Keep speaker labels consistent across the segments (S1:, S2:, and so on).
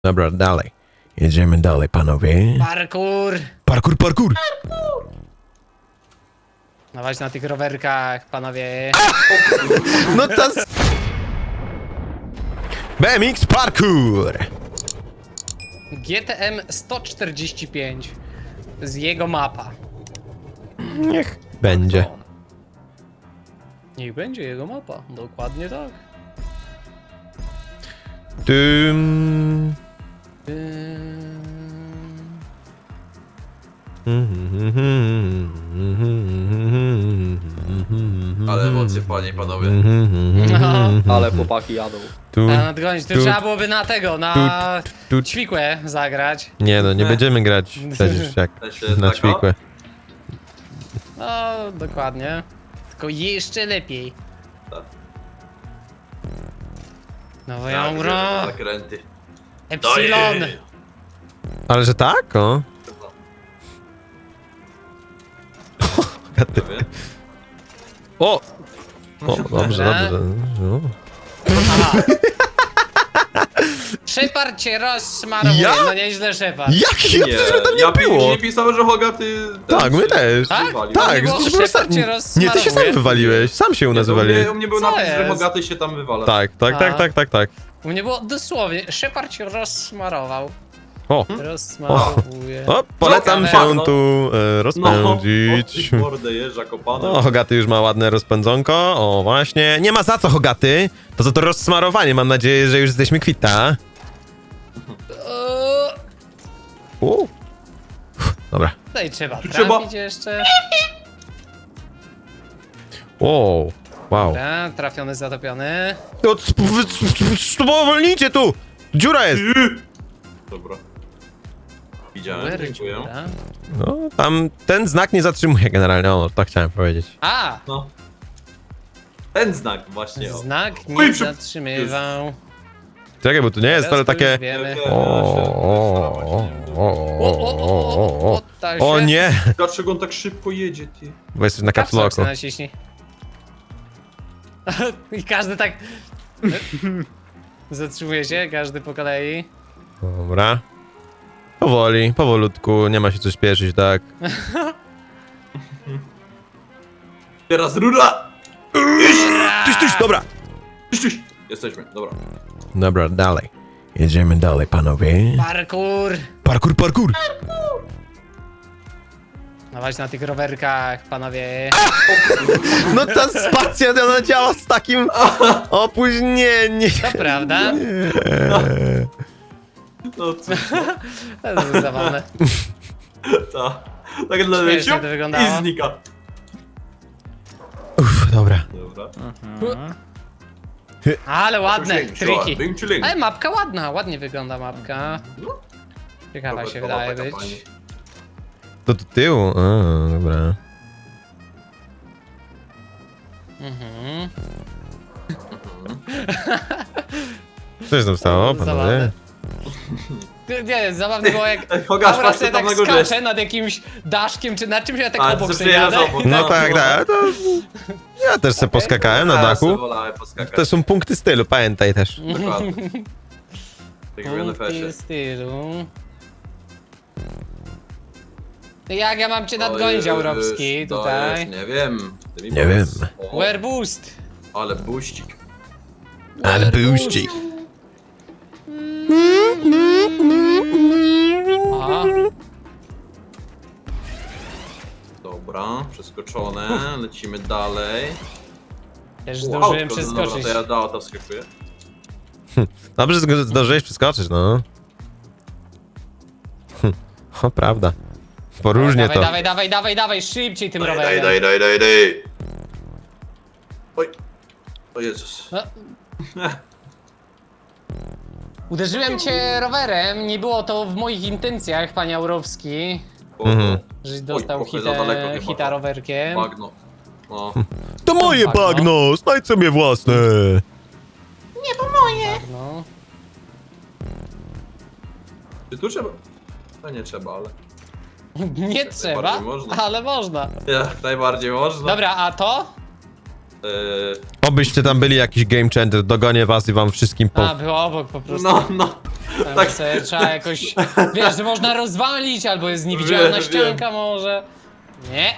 S1: Dobra, dalej. Jedziemy dalej, panowie.
S2: Parkour!
S1: Parkour, parkour!
S2: Dawać na tych rowerkach, panowie.
S1: No to... BMX parkour!
S2: GTM 145 z jego mapa.
S1: Niech będzie.
S2: Niech będzie jego mapa, dokładnie tak.
S1: Tym...
S3: Ale emocje, panie i panowie.
S2: No,
S4: Ale chłopaki jadą.
S1: Tu,
S2: a nadgonić, to
S1: tu,
S2: trzeba byłoby na tego, na
S1: tu.
S2: ćwikłę zagrać.
S1: Nie no, nie będziemy grać przecież jak na
S3: taka?
S1: ćwikłę.
S2: No, dokładnie. Tylko jeszcze lepiej.
S3: Tak.
S2: Nowe
S3: Tak,
S2: euro,
S3: zakręty.
S2: Epsilon.
S1: Ale że tak? O?
S3: Prawie.
S1: O! O, dobrze,
S2: Dobra.
S1: dobrze. No.
S2: Aha. Szepard cię rozsmarowuje,
S1: Ja?
S2: no nieźle Szepard.
S1: Jaki? Ja przecież mnie tam nie
S3: ja
S1: było!
S3: nie pisałem, że Hogaty...
S1: Tak, my też.
S2: Tak?
S3: wywalił.
S2: Tak?
S1: Tak,
S2: było,
S1: przecież byłem
S2: Szepard
S1: sam...
S2: cię
S1: Nie, ty się sam
S2: rozsmarowuje.
S1: wywaliłeś. Sam się u nas
S3: Nie,
S1: wywaliłeś.
S3: u mnie był
S2: Co
S3: napis, że
S2: jest?
S3: Hogaty się tam wywala.
S1: Tak, tak, tak,
S2: A.
S1: tak, tak, tak.
S2: U mnie było dosłownie, Szepard cię rozsmarował.
S1: O!
S2: Rozsmarowuje.
S1: O, polecam
S2: Ciekawe.
S1: się tu rozpędzić.
S3: No, mordę jeżdża kopane.
S1: O, Hogaty już ma ładne rozpędzonko. O, właśnie. Nie ma za co, Hogaty. To za to rozsmarowanie. Mam nadzieję, że już jesteśmy kwita. Dobra.
S2: No i trzeba
S3: Tu
S2: trafić jeszcze.
S1: O, wow.
S2: Dobra, trafiony, zatopiony.
S1: No, spowolnijcie tu! Dziura jest!
S3: Dobra. Widziałem,
S2: Where,
S3: dziękuję.
S2: dobra.
S1: No, tam ten znak nie zatrzymuje generalnie. O, tak chciałem powiedzieć.
S2: A!
S3: No. Ten znak właśnie. O.
S2: Znak
S3: Oj,
S2: nie zatrzymywał.
S1: Czekaj, bo tu nie jest,
S2: Teraz
S1: ale
S2: to już
S1: takie...
S2: wiemy.
S1: O nie!
S3: Dlaczego on tak szybko jedzie, ty?
S1: Bo jesteś na
S2: Kapslock
S1: kapsloku.
S2: naciśnij. I każdy tak... Zatrzymuje się, każdy po kolei.
S1: Dobra. Powoli, powolutku, nie ma się co śpieszyć, tak?
S3: Teraz rura!
S1: Tyś, dobra!
S3: Tyś. Jesteśmy, dobra.
S1: Dobra, dalej. Jedziemy dalej, panowie.
S2: Parkour!
S1: Parkour, parkour!
S2: Dawać na tych rowerkach, panowie.
S1: No ta spacja, ona działa z takim opóźnieniem.
S2: To prawda?
S3: No cóż,
S2: To jest zabawne.
S3: ta. Tak dla
S2: Śmiesznie
S3: leciu
S2: to wyglądało.
S3: i znika.
S1: Uff, dobra.
S3: Dobra.
S2: Ale ładne,
S3: Chilling,
S2: triki.
S3: chilling, chilling.
S2: Ale mapka ładna, ładnie wygląda mapka. Ciekawa się
S3: Robertowa
S2: wydaje
S3: taka
S2: być.
S3: pani.
S1: To do tyłu? A, dobra.
S2: Mhm.
S1: Co się tam stało, panowie?
S2: Zabawne. Nie, zabawne było jak
S3: Ej, Hogasz,
S2: Aura
S3: patrz,
S2: sobie
S3: co tam
S2: tak
S3: na górze
S2: skacze nad jakimś daszkiem czy nad czymś, ja tak
S3: A,
S2: obok
S3: ty
S2: sobie
S3: przyjeżdżasz
S2: jadę.
S3: obok.
S1: No tak, tak. To... Ja też se poskakałem na
S3: Ja
S1: dachu.
S3: sobie wolałem poskakać.
S1: To są punkty stylu, pamiętaj też.
S3: Dokładnie. Tak jak w
S2: Punkty
S3: NFS-ie.
S2: stylu. Jak ja mam cię nadgonić, Aurowski,
S3: To
S2: tutaj?
S3: jest, nie wiem. Ty mi
S1: Nie
S3: powiedz.
S1: wiem.
S3: O,
S2: Where boost?
S3: ale buścik.
S1: Ale byłścik.
S2: Aha.
S3: Dobra, przeskoczone. Lecimy dalej.
S2: Też
S3: Wow,
S2: zdążyłem
S3: to-
S2: przeskoczyć.
S3: Dobra, to ja do auta wskakuję.
S1: Dobrze, że zdążyłeś przeskoczyć, no. O, prawda. Poróżnie
S2: Dawaj,
S1: to.
S2: dawaj, dawaj, dawaj, dawaj, szybciej tym
S3: Daj,
S2: rowerem.
S3: daj. Oj. O Jezus.
S2: No. Uderzyłem cię rowerem, nie było to w moich intencjach, panie Aurowski,
S3: O,
S1: Mhm.
S2: żeś dostał
S3: trochę za daleko chyba
S2: hita
S3: to.
S2: rowerkiem.
S3: Bagno. No.
S1: To moje
S2: Bagno.
S1: bagno, znajdź sobie własne.
S2: No.
S3: Czy tu trzeba? No nie trzeba, ale...
S2: Nie trzeba,
S3: najbardziej można.
S2: ale można.
S3: Jak najbardziej można.
S2: Dobra, a to?
S1: Obyście tam byli jakiś game changer, dogonię was i wam wszystkim
S2: A, było obok po prostu.
S3: No, no.
S2: Tam
S3: Tak.
S2: sobie trzeba jakoś, wiesz, że można rozwalić, albo jest niewidzialna
S3: Wiem,
S2: ścianka może. Nie.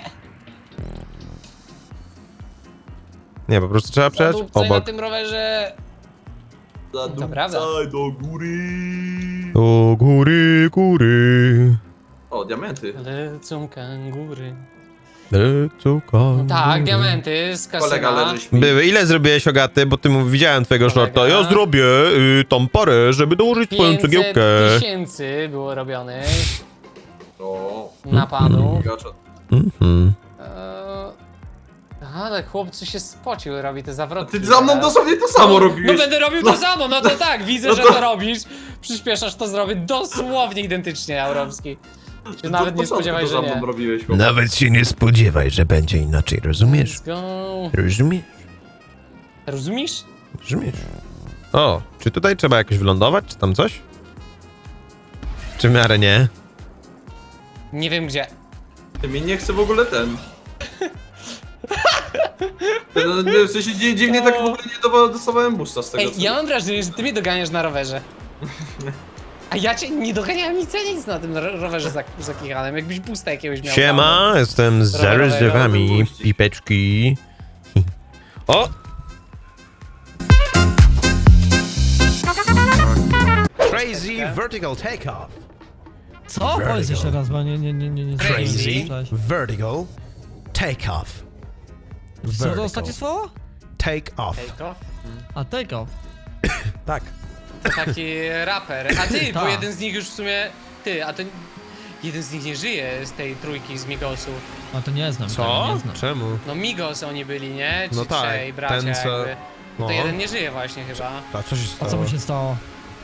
S1: Nie, po prostu trzeba przejść
S2: Zadupcaj na
S1: obok.
S2: tym rowerze. To prawda.
S3: Zadupcaj do góry.
S1: Do góry, góry.
S3: O, diamenty.
S2: Lecą kangury.
S1: Lecą kangury.
S2: Tak, diamenty z
S3: Kolega
S2: kasyna.
S3: leży śpi.
S1: Były. Ile zrobiłeś, Ogaty? Bo ty widziałem twojego
S2: Kolega.
S1: shorta. Ja zrobię tam parę, żeby dołożyć twoją
S2: 500
S1: cegiełkę.
S2: tysięcy było robionych
S3: O,
S2: na panu.
S3: gacza.
S1: Mhm.
S2: Ale chłopcy się spocił, robi te zawrotki.
S3: Ty za mną
S2: teraz.
S3: dosłownie to samo
S2: No
S3: robiłeś.
S2: będę robił to samo, no to tak, widzę,
S3: No
S2: że
S3: to-
S2: to robisz. Przyspieszasz, to zrobię dosłownie identycznie, Aurowski. Się
S3: Ty
S2: nawet
S3: od
S2: nie
S3: początku
S2: spodziewaj,
S3: to
S2: że
S3: za
S2: nie.
S3: mną robiłeś, chłopie.
S1: Nawet się nie spodziewaj, że będzie inaczej, rozumiesz?
S2: Let's go.
S1: Rozumiesz?
S2: Rozumiesz?
S1: Rozumiesz? O, czy tutaj trzeba jakoś wylądować, czy tam coś? Czy w miarę nie?
S2: Nie wiem gdzie.
S3: Ty mnie nie chce w ogóle ten. No, nie, w sensie dziwnie tak w ogóle nie dostawałem boosta z tego
S2: Ej,
S3: co...
S2: ja mam wrażenie, że ty mnie doganiasz na rowerze. A ja cię nie doganiałem nic na tym rowerze zakichanym, jakbyś pusta jakiegoś miał.
S1: Siema, jestem z
S2: Rowerowe,
S1: zaryzywami,
S3: rowerowe
S1: pipeczki. O! Crazy vertical takeoff.
S4: Co? Powiedz jeszcze raz, bo nie.
S1: Crazy
S4: Cześć.
S1: vertical takeoff.
S4: Co to ostatnie słowo?
S1: Take off.
S2: Take-off?
S4: A take off.
S1: Tak.
S2: To taki raper. A ty, bo
S4: Tak.
S2: jeden z nich już w sumie... Ty, a to... Jeden z nich nie żyje z tej trójki z Migosów.
S4: A to nie znam. Tego
S1: Co?
S4: nie znam.
S1: Czemu?
S2: No Migos oni byli, nie? Ci
S1: No tak,
S2: trzej bracia
S1: ten, co-
S2: jakby.
S1: No.
S2: To jeden nie żyje właśnie chyba.
S1: A co się
S4: A
S1: stało?
S4: co mu się stało?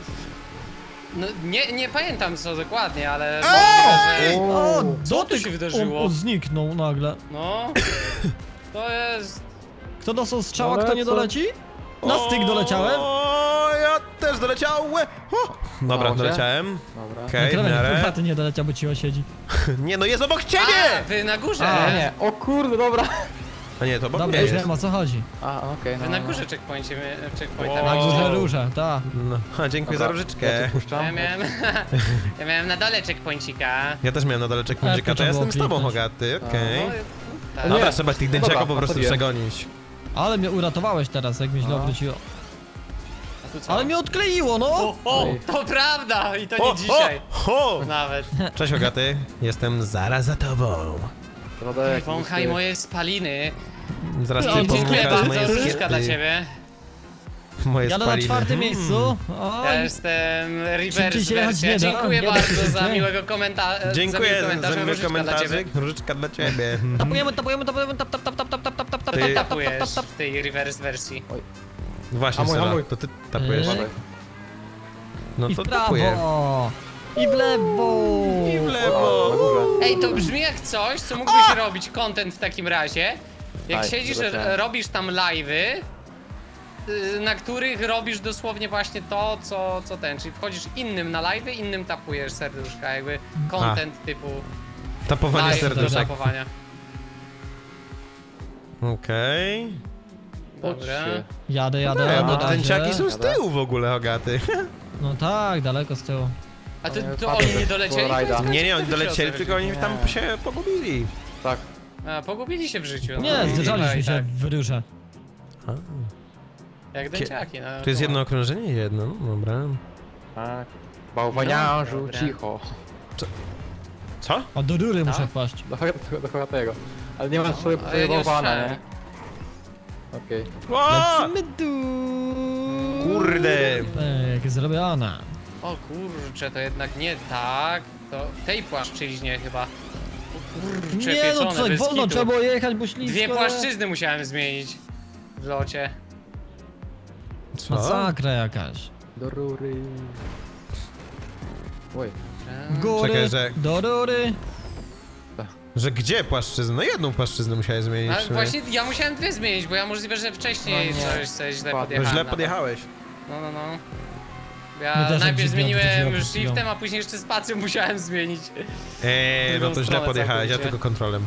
S2: No nie pamiętam co dokładnie, ale możliwe, że...
S4: O,
S2: Co tu się wydarzyło?
S4: On zniknął nagle.
S2: No... To jest...
S4: Kto dostał strzała, kto nie doleci? Na styk doleciałem.
S1: O, ja też doleciałem. O! Dobra, doleciałem.
S5: Dobra.
S1: Okej, w
S4: Kremen,
S1: miarę.
S4: kurwa, ty nie doleciał, bo cicho siedzi.
S1: Nie, no jest obok
S2: A,
S1: ciebie!
S2: wy na górze!
S4: A,
S5: Nie, o kurde, dobra.
S1: A nie, to obok
S4: Dobra,
S1: mnie
S4: już
S1: jest.
S4: wiem o co chodzi.
S5: A, okej,
S2: Wy
S5: no,
S2: na
S5: no.
S2: górze checkpointa
S1: O.
S4: Na
S2: mieliście.
S4: górze róże, ta.
S1: No, a, dziękuję
S5: Dobra,
S1: za
S5: Ja
S1: różyczkę.
S5: cię puszczam.
S2: Ja miałem na dole checkpointika.
S1: Ja też miałem na dole checkpointika, to
S4: trzeba
S1: ja
S4: było
S1: jestem z tobą,
S4: kliknąć.
S1: Hogaty,
S2: No,
S1: okej.
S2: tak.
S1: Dobra,
S5: Nie.
S1: trzeba tych
S5: Dobra,
S1: dęciaków po
S5: a
S1: prostu
S5: to wiem.
S1: przegonić.
S4: Ale mnie uratowałeś teraz, jak mi źle
S5: No.
S4: obróciło.
S2: A tu co?
S4: Ale mnie odkleiło, no!
S2: O, to prawda! I to nie
S1: O,
S2: dzisiaj.
S1: o!
S2: Nawet.
S1: Cześć, Hogaty. Jestem zaraz za tobą.
S5: Rodek,
S2: Wąchaj moje spaliny.
S1: Zaraz
S4: No,
S1: cię
S4: dziękuję
S2: Dziękuję
S1: powąchasz
S2: bardzo,
S1: moje
S2: różyczka dla
S1: skiety.
S2: ciebie.
S1: Moje
S4: Jadę na
S1: spaliny.
S4: czwartym miejscu. O,
S2: Ja jestem reverse
S4: Szybciej się jechać
S2: wersja.
S4: nie da.
S2: Dziękuję
S4: Nie da
S2: bardzo
S4: się.
S2: za miłego komentarza.
S1: Dziękuję za miły
S2: różyczka dla ciebie.
S1: komentarzyk. Różyczka dla ciebie.
S4: tapujemy, tap, tap, tap, tap, tap, tap, tap, tap, tap,
S1: Ty-
S4: tap, tap,
S2: Tapujesz
S4: tap, tap.
S2: w tej reverse wersji.
S1: Właśnie,
S5: Hamuj,
S1: Sela,
S5: hamuj.
S1: to ty tapujesz.
S4: Eee.
S1: No
S4: I w
S1: to tapuję.
S4: prawo. I w lewo.
S1: I w
S5: O, na
S1: lewo.
S5: górze.
S2: Ej, to brzmi jak coś, co mógłbyś robić content w takim razie. Jak
S5: Aj,
S2: siedzisz,
S5: zobaczyłem.
S2: robisz tam live'y, na których robisz dosłownie właśnie to, co ten, czyli wchodzisz innym na live'y, innym tapujesz serduszka, jakby content typu
S1: Tapowanie
S2: live do
S1: serduszek.
S2: tapowania.
S1: Okej.
S2: Dobra.
S5: Chodźcie.
S4: Jadę,
S1: Ej,
S4: jadę,
S1: bo
S4: na
S1: dęciaki
S4: razie.
S1: są z tyłu w ogóle, Hogaty.
S4: No tak, daleko z tyłu.
S2: A to,
S5: Nie,
S2: to
S5: patrzę
S2: oni nie
S5: też
S2: dolecieli?
S5: po rajdach.
S2: Koniec
S1: Nie, oni
S2: końców,
S1: dolecieli,
S2: się
S1: tylko oni tam
S5: Nie.
S1: się pogubili.
S5: Tak.
S2: A, pogubili się w życiu. no.
S4: Nie,
S2: I
S4: zderzaliśmy się
S2: tak,
S4: w ryrze.
S2: jak dęciaki, no.
S1: To jest jedno okrążenie? Jedno, no dobra.
S5: Tak. Bałwaniarzu,
S2: No, dobra.
S5: cicho.
S1: Co?
S4: O, do rury muszę
S2: Tak?
S4: wpaść.
S5: Do tego. Ale nie masz sobie
S2: ale ja nie
S5: bałwana,
S2: usłyszałem.
S5: nie? Okej.
S1: O!
S4: Lecimy tu.
S1: Kurde!
S4: Jak zrobiona.
S2: O kurczę, to jednak nie tak. To w tej płaszczyźnie chyba. O kurczę,
S4: Nie no,
S2: pieczone,
S4: co,
S2: bez
S4: wolno
S2: kitu.
S4: trzeba było jechać, bo ślisko.
S2: Dwie płaszczyzny musiałem zmienić w locie.
S1: Co?
S4: Masakra jakaś.
S5: Do rury. Oj.
S4: Góry,
S1: Czekaj, że-
S4: do rury.
S1: Że gdzie płaszczyznę? No jedną płaszczyznę musiałeś zmienić.
S2: A
S1: w sumie.
S2: właśnie ja musiałem dwie zmienić, bo ja możliwe, że wcześniej
S5: No nie.
S2: coś źle
S5: Ładnie.
S1: No
S2: podjechałem.
S1: źle
S2: na to.
S1: podjechałeś.
S2: No.
S4: My
S2: Ja
S4: też jak
S2: najpierw
S4: dziwnie
S2: zmieniłem
S4: odwróciłem
S2: shiftem, a później jeszcze spacją musiałem zmienić.
S1: No
S2: Drugą
S1: to źle
S2: stronę
S1: podjechałeś, ja
S2: całkowicie.
S1: tylko kontrolem.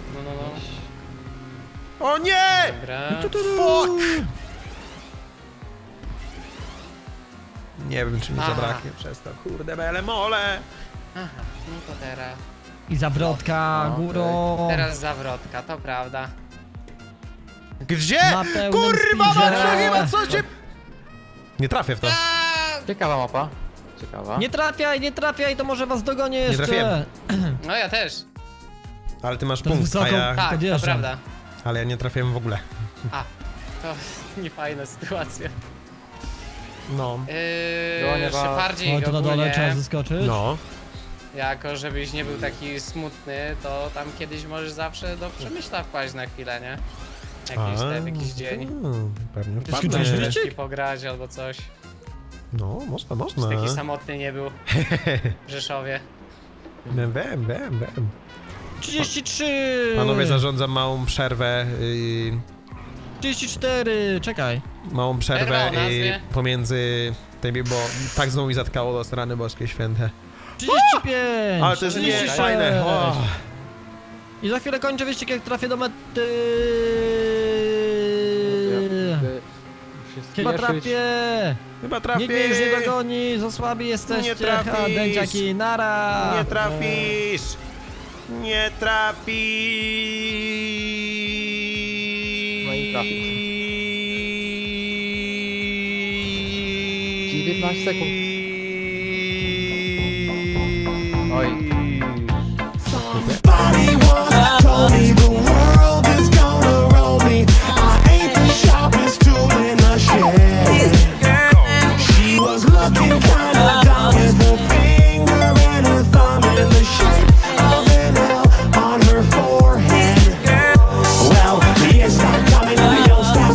S2: No.
S1: O nie!
S2: Dobra.
S1: Fuck! Nie wiem, czy mi
S2: Aha.
S1: zabraknie przez to. Kurde, bele mole!
S2: Aha, no to teraz.
S4: I zawrotka
S5: No,
S4: górą.
S2: Teraz zawrotka, to prawda.
S1: Gdzie?
S4: Na pełnym
S1: Kurwa,
S4: speedzie.
S1: macie chyba co cię... Nie trafię w to.
S5: Ciekawa mapa. Ciekawa.
S4: Nie trafiaj, to może was dogonię jeszcze.
S1: trafiłem.
S2: No ja też.
S1: Ale ty masz
S4: To
S1: punkt, a
S4: wysoko.
S1: ja...
S2: Tak, to
S4: Podjeżdżam.
S2: prawda.
S1: Ale ja nie trafiłem w ogóle.
S2: A, to niefajna sytuacja.
S1: No.
S5: Dłonie was.
S2: Szepardzik
S4: O, to na dole
S2: ogólnie,
S4: trzeba zeskoczyć.
S1: No.
S2: jako żebyś nie był taki smutny, to tam kiedyś możesz zawsze do Przemyśla wpaść na chwilę, nie? Jakiś dzień.
S1: Pewnie
S4: Ty skończyłeś
S1: wpadnę.
S4: wyścig?
S2: I pograć albo coś.
S1: No, można.
S2: Taki samotny nie był w Rzeszowie.
S1: Wiem.
S4: 33!
S1: Panowie, zarządzam małą przerwę.
S4: 34, czekaj.
S1: Małą przerwę
S2: Przerwa o nazwie.
S1: pomiędzy tymi, bo tak znowu mi zatkało do strony boskie święte.
S4: 35!
S1: Ale to jest nie
S4: 36.
S1: fajne. O.
S4: I za chwilę kończę wyścig, jak trafię do mety. Chyba trafię!
S1: Chyba trafisz.
S4: Nikt mnie już nie dogoni, za słabi jesteście.
S1: Nie trafisz.
S4: Ha, dęciaki, nara!
S1: Nie trafisz. Nie trafisz.
S5: No i trafił. 19 sekund.